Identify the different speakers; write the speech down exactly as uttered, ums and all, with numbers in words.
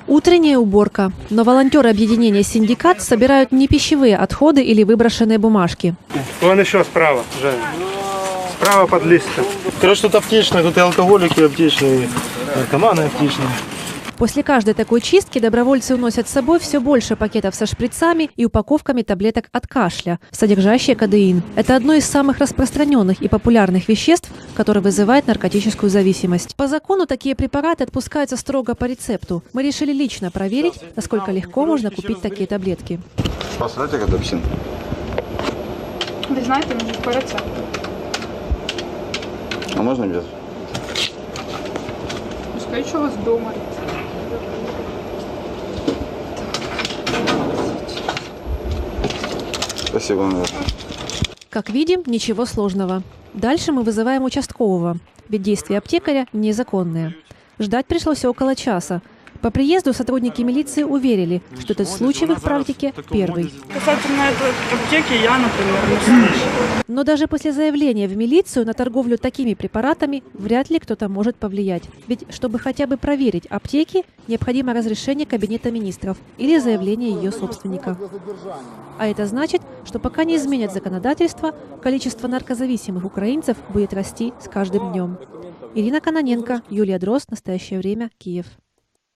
Speaker 1: Утренняя уборка. Но волонтеры объединения «Синдикат» собирают не пищевые отходы или выброшенные бумажки.
Speaker 2: Вон еще справа, Женя. Справа под листом.
Speaker 3: Короче, тут аптечные, тут и алкоголики аптечные, и наркоманы аптечные.
Speaker 1: После каждой такой чистки добровольцы уносят с собой все больше пакетов со шприцами и упаковками таблеток от кашля, содержащие кодеин. Это одно из самых распространенных и популярных веществ, которое вызывает наркотическую зависимость. По закону такие препараты отпускаются строго по рецепту. Мы решили лично проверить, насколько легко можно купить такие таблетки.
Speaker 4: Посмотрите, как апельсин.
Speaker 5: Ви знаєте, може по рецепту.
Speaker 4: А можно без?
Speaker 5: Скажіть, що у вас вдома.
Speaker 4: Спасибо, наверное.
Speaker 1: Как видим, ничего сложного. Дальше мы вызываем участкового, ведь действия аптекаря незаконные. Ждать пришлось около часа. По приезду сотрудники милиции уверили, что этот случай в их практике первый.
Speaker 6: Касательно этой аптеки, я, например, не слышу.
Speaker 1: Но даже после заявления в милицию на торговлю такими препаратами вряд ли кто-то может повлиять. Ведь чтобы хотя бы проверить аптеки, необходимо разрешение Кабинета министров или заявление ее собственника. А это значит, что пока не изменят законодательство, количество наркозависимых украинцев будет расти с каждым днем. Ирина Кононенко, Юлия Дрозд. Настоящее время. Киев.